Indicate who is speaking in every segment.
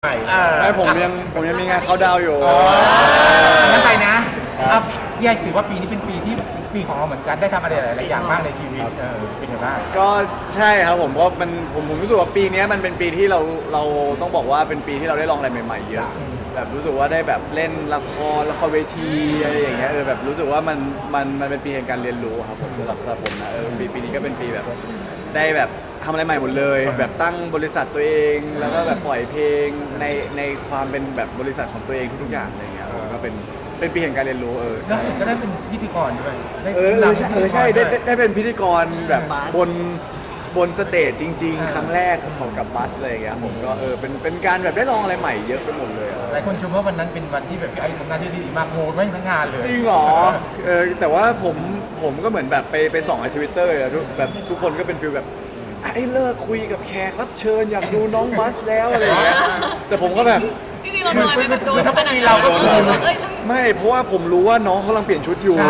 Speaker 1: ใหม่
Speaker 2: ไม่ผมยังมีงานเขาดาวอยู่
Speaker 1: งั้นไปนะพี่ไอถือว่าปีนี้เป็นปีของเราเหมือนกันได้ทำอะไรหลายๆอย่างมากในชีวิตเป็นยังไงบ้าง
Speaker 2: ก็ใช่ครับผมก็ผมรู้สึกว่าปีนี้มันเป็นปีที่เราต้องบอกว่าเป็นปีที่เราได้ลองอะไรใหม่ๆเยอะแบบรู้สึกว่าได้แบบเล่นละครเวทีอะไรอย่างเงี้ยแบบรู้สึกว่ามันเป็นปีแห่งการเรียนรู้ครับผมสำหรับผมนะปีนี้ก็เป็นปีแบบได้แบบทำอะไรใหม่หมดเลยแบบตั้งบริษัทตัวเองแล้วก็แบบปล่อยเพลงในความเป็นแบบบริษัทของตัวเองทุกๆอย่างอะไรเงี้ยก็เป็นปีแห่งการเรียนรู้
Speaker 1: แล้วผมก็ได้เป็นพิธีกรด้วย
Speaker 2: ใช่ได้เป็นพิธีกรแบบบนสเตจจริงๆครั้งแรกของกับบัสอะไรอย่างเงี้ยผมก็เป็นการแบบได้ลองอะไรใหม่เยอะไปหมดเลย
Speaker 1: หลายคนชมว่าวันนั้นเป็นวันที่แบบพี่ไอทำหน้าที่ดีมากโหดไม่ทั้งงานเลย
Speaker 2: จริงเหรอแต่ว่าผมก็เหมือนแบบไปส่องใน Twitter แบบทุกคนก็เป็นฟีลแบบไอ้เลิกคุยกับแขกรับเชิญอยากดูน้องบัสแล้วอะไรอย่างเงี้ยแต่ผมก็แบบ
Speaker 3: จริงๆเราโดนมันโดนขนาดนั้น
Speaker 2: ไม่เพราะว่าผมรู้ว่าน้องเขากำลังเปลี่ยนชุดอยู่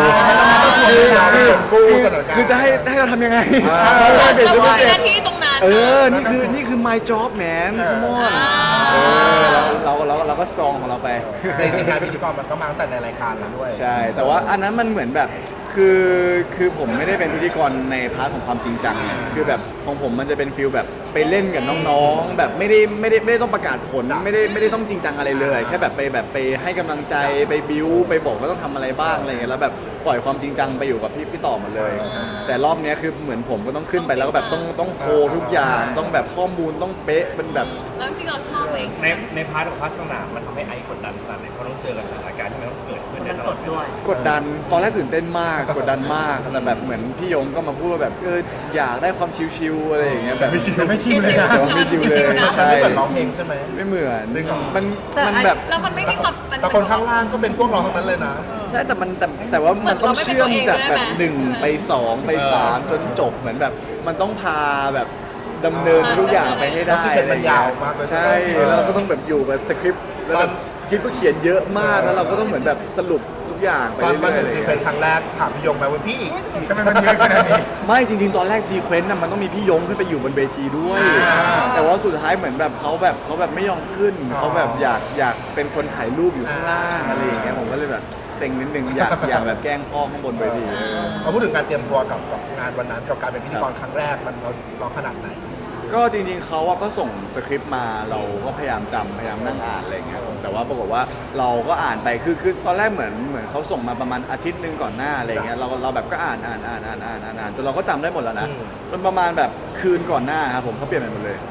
Speaker 2: คือจะให้เราทำยังไง
Speaker 3: เปลี่ยนชุดหน้าที่ตรงนั้น
Speaker 2: นี่คือ my job man come on เราก็สตรองของเราไป
Speaker 1: ในจริงงานพิธีกรมันก็มาตั้งแต่ในรายการแล้วด้วย
Speaker 2: ใช่แต่ว่าอันนั้นมันเหมือนแบบคือผมไม่ได้เป็นพิธีกรในพาร์ทของความจริงจังคือแบบของผมมันจะเป็นฟิลแบบไปเล่นกับน้องๆแบบไม่ได้ต้องประกาศผลไม่ได้ต้องจริงจังอะไรเลยแค่แบบไปให้กำลังใจไปบิ้วไปบอกว่าต้องทำอะไรบ้างอะไรเงี้ยแล้วแบบปล่อยความจริงจังไปอยู่กับพี่ต่อหมดเลยแต่รอบนี้คือเหมือนผมก็ต้องขึ้นไปแล้วก็แบบต้องโคทุกอย่างต้องแบบข้อมูลต้องเป๊ะเป็นแบบ
Speaker 3: แล้วจริงเราชอบเอง
Speaker 4: ในพาร์ทของภาคสนามมันทำให้ไอกดดันขนาดไหนเพราะต้องเจอกับสถานการณ์ที่มันต้องเกิดขึ้น
Speaker 5: มันสดด้วย
Speaker 2: กดดันตอนแรกตื่นเต้นมากกดดันมากแต่แบบเหมือนพี่ยงก็มาพูดว่าแบบอยากได้ความชิวๆอะไรอย่างเงี้ยแบบ
Speaker 1: ไม่ชิวเลยนะ
Speaker 2: ไม่ชิวเลยใช่
Speaker 1: ไม่เหมือนร้องเพลงใช่ไหม
Speaker 2: ไม่เหมือนมันแบบ
Speaker 3: แล้วมันไม่มีความ
Speaker 1: แต่คนข้างล่างก็เป็นพวกเราทั้งนั้นเลยนะ
Speaker 2: ใช่แต่ว่ามันต้องเชื่อมจากแบบ1ไป2ไป3จนจบเหมือนแบบมันต้องพาแบบดำเนินทุกอย่างไปให้ได้
Speaker 1: มันยาวมากเลย
Speaker 2: ใช่แล้วเราก็ต้องแบบอยู่กับสคริปต์แล้วแบบสคริปต์ก็เขียนเยอะมากแล้วเราก็ต้องเหมือนแบบสรุปทุกอย่างไป
Speaker 1: ตอน
Speaker 2: เรื่อยๆ
Speaker 1: มาถึงซีเป็นครั้งแรกถามพี่ยงไปว่าพี่ทำไมมันเยอะขนาดนี้
Speaker 2: ไม่จริงๆตอนแรกซีเควนต์มันต้องมีพี่ยงขึ้นไปอยู่บนเวทีด้วยแต่ว่าสุดท้ายเหมือนแบบเขาแบบไม่ยอมขึ้นเขาแบบอยากเป็นคนถ่ายรูปอยู่ข้างล่างอะไรอย่างเงี้ยผมก็เลยแบบเซ็งนิดนึงอยากแบบแกล้งพ่อข้างบนเวที
Speaker 1: มาพูดถึงการเตรียมตัวกับงานวันนั้นกับการเป็นพิธีกรครั้งแรกมันเราขนาดไหน
Speaker 2: ก็จริงๆเขาก็ส่งสคริปต์มาเราก็พยายามจำพยายามนั่งอ่านอะไรเงี้ยแต่ว่าปรากฏว่าเราก็อ่านไปคือตอนแรกเหมือนเขาส่งมาประมาณอาทิตย์นึงก่อนหน้าอะไรเงี้ยเราแบบก็อ่านจนเราก็จำได้หมดแล้วนะจนประมาณแบบคืนก่อนหน้าครับผมเขาเปลี่ยนไปหมดเลย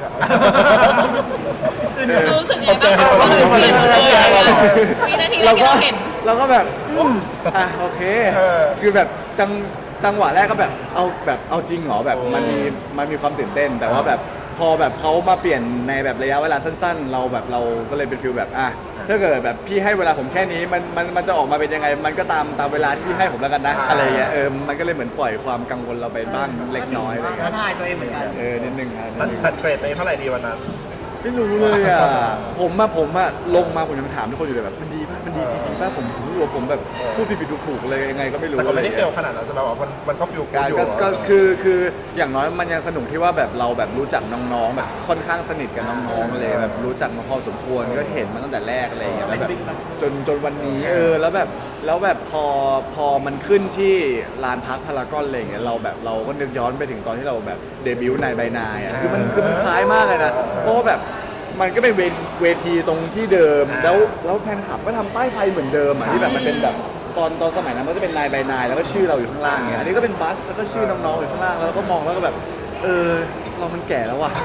Speaker 3: เรารู้สึกไงบ้างเราเลยเปลี่ยนเลยมีนาทีแรกที่เราเห็น
Speaker 2: เราก็แบบโอเคคือแบบจังหวะแรกก็แบบเอาจริงเหรอแบบมันมีความตื่นเต้นแต่ว่าแบบพอแบบเขามาเปลี่ยนในแบบระยะเวลาสั้นๆเราก็เลยเป็นฟีลแบบถ้าเกิดแบบพี่ให้เวลาผมแค่นี้มันจะออกมาเป็นยังไงมันก็ตามเวลาที่พี่ให้ผมแล้วกันนะอะไรเงี้ยมันก็เลยเหมือนปล่อยความกังวลเราไปบ้างเล็กน้อยอะไรเงี้ย
Speaker 5: ท้าทายตัวเองเหมือนกัน
Speaker 2: นิดนึงครับ
Speaker 1: ตัดเกรดตัวเองเท่าไหร่ดีวันนั้น
Speaker 2: ไม่รู้เลยผมลงมาผมยังถามทุกคนอยู่เลยแบบมันดีป่ะมันดีจริงๆป่ะผมรู้ว่าผมแบบพูดผิดถูกเลยยังไงก็ไม่รู้
Speaker 1: แต่ก็ไม่ได้เฟลขนาดนั้นใช่ไหมว่ามันก็ฟิลกูอยู่
Speaker 2: ก็คืออย่างน้อยมันยังสนุกที่ว่าแบบเราแบบรู้จักน้องๆแบบค่อนข้างสนิทกับน้องๆเลยแบบรู้จักมาพอสมควรก็เห็นมาตั้งแต่แรกอะไรอย่างเงี้ยแล้วแบบจนวันนี้แล้วแบบพอมันขึ้นที่ลานพักพารากอนอะไรอย่างเงี้ยเราก็นึกย้อนไปถึงตอนที่เราแบบเดบิวต์นายใบนายคือมันคล้ายมากเลยนะเพราะว่าแบบมันก็เป็นเวทีตรงที่เดิมแล้วแฟนคลับก็ทำป้ายไฟเหมือนเดิมที่แบบมันเป็นแบบตอนสมัยนั้นมันจะเป็นนายใบนายแล้วก็ชื่อเราอยู่ข้างล่างเงี้ยอันนี้ก็เป็นบัสแล้วก็ชื่อน้องๆอยู่ข้างล่างแล้วก็มองแล้วก็แบบเรามันแก่แล้วว่ะ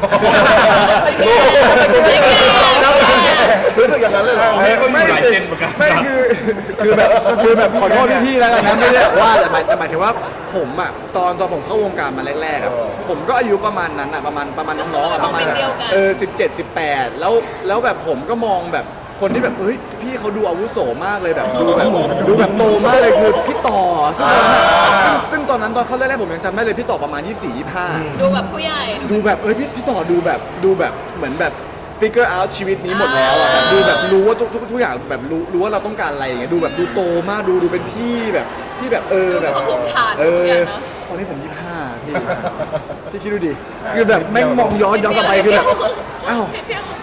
Speaker 1: รู้สึกอย่างนั้นเลยเหรอ
Speaker 2: ไม่คือแบบขอโทษพี่ๆแล้วกันนะไม่ได้ว่าแต่หมายถึงว่าผมตอนผมเข้าวงการมาแรกๆผมก็อายุประมาณนั้นประมาณน้องๆประมาณ17-18แล้วแบบผมก็มองแบบคนที่แบบพี่เขาดูอาวุโสมากเลยแบบดูแบบโตมากเลยคือพี่ต่อซึ่งตอนนั้นตอนเขาแรกๆผมยังจำได้เลยพี่ต่อประมาณ24-25
Speaker 3: ดูแบบผู้ใหญ่
Speaker 2: ดูแบบพี่ต่อดูแบบเหมือนแบบfigure out ชีวิตนี้หมดแล้วแบบดูแบบรู้ว่าทุกอย่างแบบรู้ว่าเราต้องการอะไรอย่างเงี้ยดูแบบดูโตมากดูเป็นพี่แบบที่แบบแบบตอนนี้ผม25พี่คิดดูดิคือแบบแม่งมองย้อนกลับไปคือแบบอ้าว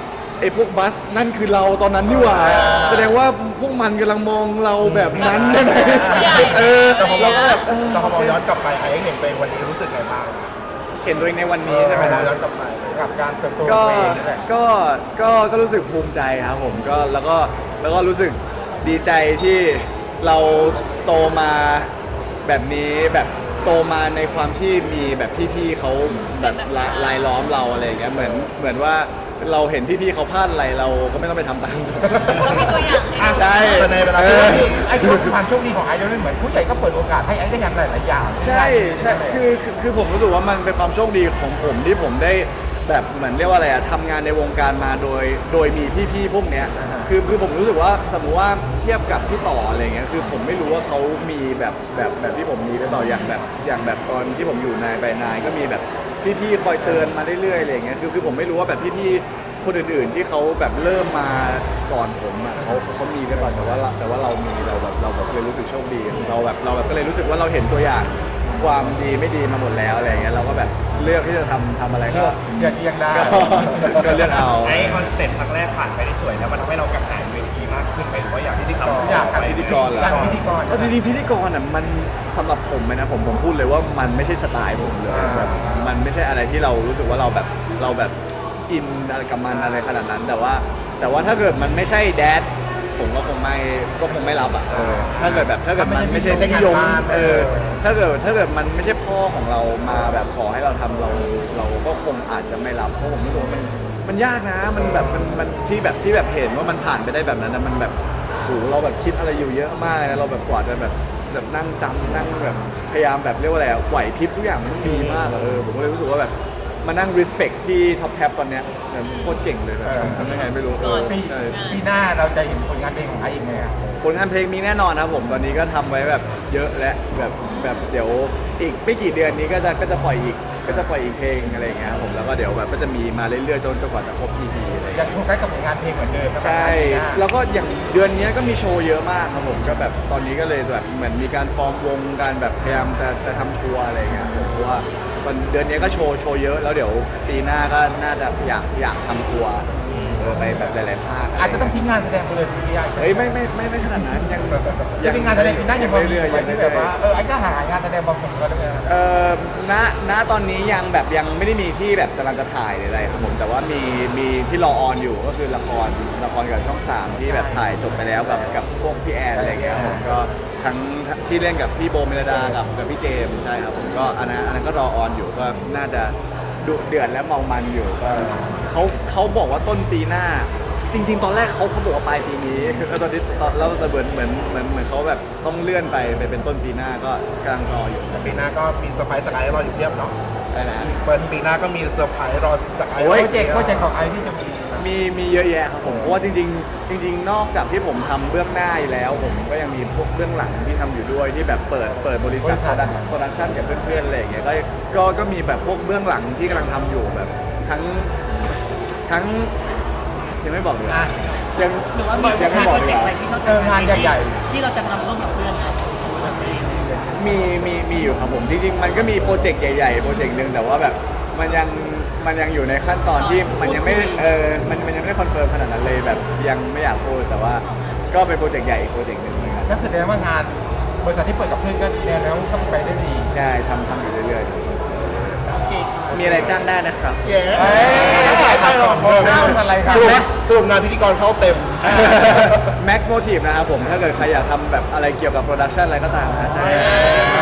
Speaker 2: ไอ้พวกบัสนั่นคือเราตอนนั้นนี่หว่าแสดงว่าพวกมันกำลังมองเราแบบนั้นใช่ไหม
Speaker 1: แต่พอ
Speaker 2: เราก็แบบ
Speaker 1: แต่พอมองย้อนกลับไปไอ้เห็นตัวเองวันนี้รู้สึกไงบ้าง
Speaker 2: เห็นตัวเองในวันนี้ใช่ไหม
Speaker 1: ม
Speaker 2: ค
Speaker 1: อง
Speaker 2: รับ
Speaker 1: ย้อนกลับไปกับการเติบโตของ
Speaker 2: ก็
Speaker 1: ตัวเองนี่แหละ
Speaker 2: ก็รู้สึกภูมิใจครับผมก็แล้วก็รู้สึกดีใจที่เราโตมาแบบนี้แบบโตมาในความที่มีแบบพี่ๆเขาแบบรายล้อมเราอะไรอย่างเงี้ยเหมือนว่าเราเห็นพี่ๆเขาพลาดอะไรเราก็ไม่ต้องไปทำตาม
Speaker 3: เรามีตัวอย่างให้ดู
Speaker 2: ใช่
Speaker 1: แต่ในเวลาที่ไอ้ความโชคดีของไอ้ด้วยเหมือนผู้ใหญ่ก็เปิดโอกาสให้ไอ้ได้ทำหลายๆอย่าง
Speaker 2: ใช่คือผมรู้สึกว่ามันเป็นความโชคดีของผมที่ผมได้แบบเหมือนเรียกว่าอะไรอะทำงานในวงการมาโดยมีพี่ๆพวกเนี้ยคือผมรู้สึกว่าสมมุติว่าเทียบกับพี่ต่ออะไรเงี้ยคือผมไม่รู้ว่าเขามีแบบที่ผมมีพี่ต่ออย่างแบบตอนที่ผมอยู่นายไปนายก็มีแบบพี่ๆคอยเตือนมาเรื่อยๆอะไรเงี้ยคือผมไม่รู้ว่าแบบพี่ๆคนอื่นๆที่เขาแบบเริ่มมาก่อนผมอะเขามีกันก่อนแต่ว่าเรามีเราแบบเลยรู้สึกโชคดีเราแบบก็เลยรู้สึกว่าเราเห็นตัวอย่างความดีไม่ดีมาหมดแล้วอะไรเงี้ยเราก็แบบเลือกที่จะทำอะไรก็
Speaker 1: อย่าเทียงได้
Speaker 2: ก็เลือกเอา
Speaker 4: ไอ้ออนสเตจครั้งแรกผ่านไปได้สวยแล้วมันทำให้เรากระหายเวทีมากขึ้นไปหรือว่าอยากที่จะทำ
Speaker 1: อยาก
Speaker 4: ไป
Speaker 1: พิธี
Speaker 2: พิธีกรเหรอ
Speaker 1: การพิธีกร
Speaker 2: เอาจริงๆพิธีกรอ่ะมันสำหรับผมเลยนะผมพูดเลยว่ามันไม่ใช่สไตล์ผมเลยแบบมันไม่ใช่อะไรที่เรารู้สึกว่าเราแบบอินอะไรกับมันอะไรขนาดนั้น แต่ว่าถ้าเกิดมันไม่ใช่แดดผมก็คงไม่รับอ่ะถ้าเกิดมันไม่ใช่นิยมถ้าเกิดมันไม่ใช่พ่อของเรามาแบบขอให้เราทำเราก็คงอาจจะไม่รับเพราะผมรู้สึกว่ามันยากนะมันแบบมันที่แบบเห็นว่ามันผ่านไปได้แบบนั้นนะมันแบบโหเราแบบคิดอะไรอยู่เยอะมากนะเราแบบกว่าจะแบบนั่งจำนั่งแบบพยายามแบบเรียกว่าอะไรอะไหวพริบทุกอย่างมันดีมากผมก็เลยรู้สึกว่าแบบมานั่ง respect พี่ท็อปแท็บตอนเนี้ยแบบโคตรเก่งเลยแบบทำยังไงไม่รู้ใช่
Speaker 1: ปีหน้าเราจะเห็นผลงานเพลงของไอ้อีกไหมครับ
Speaker 2: ผลงานเพลงมีแน่นอนครับผมตอนนี้ก็ทำไว้แบบเยอะและแบบเดี๋ยวอีกไม่กี่เดือนนี้ก็จะปล่อยอีกเพลงอะไรอย่างเงี้ยครับผมแล้วก็เดี๋ยวแบบก็จะมีมาเรื่อยๆจนกว่าจะครบ EP อะไรอย่าง
Speaker 1: ยั
Speaker 2: เงี้ย
Speaker 1: งโฟกัสกับผลงานเพลงเหมือนเดิม
Speaker 2: ใช่แล้วก็อย่างเดือนนี้ก็มีโชว์เยอะมากครับผมก็แบบตอนนี้ก็เลยแบบเหมือนมีการฟอร์มวงการแบบพยายามจะทำทัวร์อะไรอย่างเงี้ยผมเพราะว่าวันเดือนนี้ก็โชว์เยอะแล้วเดี๋ยวปีหน้าก็น่าจะอยากทำทัวร์ไปแบบหลายๆภาค
Speaker 1: อาจจะต้องทิ้งงานแสดงไปเลยทีเดียว
Speaker 2: เฮ้ยไม่ขนาดนั้นยังแบบ
Speaker 1: ยังงานแสดงปีหน้ายังพอมี
Speaker 2: เรื่อย
Speaker 1: ไว้
Speaker 2: ๆ
Speaker 1: ที่แบบว่าไอ้ก็หางานแสดงบางคนก็ได้ไหม
Speaker 2: ณตอนนี้ยังไม่ได้มีที่แบบกำลังจะถ่ายหรืออะไรครับผมแต่ว่ามีที่รอออนอยู่ก็คือละครกับช่อง 3 ที่แบบถ่ายจบไปแล้วกับพวกพี่แอนอะไรเงี้ยครับผมก็ทั้งที่เล่นกับพี่โบเมลดากับพี่เจมส์ใช่ครับผมก็อันนั้นก็รอออนอยู่ก็น่าจะดุเดือดและเมามันอยู่ก็เขาบอกว่าต้นปีหน้าจริงๆตอนแรกเขาบอกว่าปลายปีนี้แล้วตอนนี้แล้วเหมือนเขาแบบต้องเลื่อนไปเป็นต้นปีหน้าก็กำลังรออยู่
Speaker 5: ปีหน้าก็มีเซอร์ไพรส์จากไอซ์รออยู่เพียบเนาะ
Speaker 2: ได้นะ
Speaker 5: เปิดปีหน้าก็มีเซอร์ไพรส์รอจากไอซ์
Speaker 2: โอ้
Speaker 1: โป
Speaker 2: ย
Speaker 1: รเจกต์ของไอ้ที่จะ
Speaker 2: มีเยอะแยะครับผมเพราะว่าจริงนอกจากที่ผมทำเบื้องหน้าอยู่แล้วผมก็ยังมีพวกเบื้องหลังที่ทำอยู่ด้วยที่แบบเปิดบริษัทโปรดักชั่นกับเพื่อนๆอะไรอย่างเงี้ยก็มีแบบพวกเบื้องหลังที่กำลังทำอยู่แบบทั้งยังไม่บอกเลยยัง
Speaker 6: หรือว่ามี
Speaker 2: ยังไม่
Speaker 6: งาน
Speaker 2: บ
Speaker 6: โป
Speaker 2: อก
Speaker 6: ร
Speaker 2: เล
Speaker 6: เจ
Speaker 2: ย
Speaker 6: กต์อะไรที่นอกจาก
Speaker 1: งานใหญ่
Speaker 6: ที่เราจะทำร่วมกับเพื่อนครับของบริษัทตัวเอง
Speaker 2: มีอยู่ครับผมจริงๆมันก็มีโปรเจกต์ใหญ่ๆโปรเจกต์หนึ่งแต่ว่าแบบมันยังอยู่ในขั้นตอนที่มันยังไม่มันยังไม่ได้คอนเฟิร์มขนาดนั้นเลยแบบยังไม่อยากพูดแต่ว่าก็เป็นโปรเจกต์ใหญ่อีกโปรเจกต์หนึ่งเหมือนกัน
Speaker 1: ก็แสดงว่างานบริษัทที่เปิดกับเพื่อนก็แนวแล้วเข้าไปได้ดี
Speaker 2: ใช่ทำอยู่เรื่อย
Speaker 6: โอเคครับ
Speaker 2: ๆมีอะไรจ้างได้นะครับ
Speaker 5: เย้
Speaker 1: ไปหรอกอะไรครับ
Speaker 5: สรุปงานพิธีกรเข้าเต็ม
Speaker 2: Max Motive นะครับผมถ้าเกิดใครอยากทำแบบอะไรเกี่ยวกับโปรดักชันอะไรก็ตามนะจ้างได้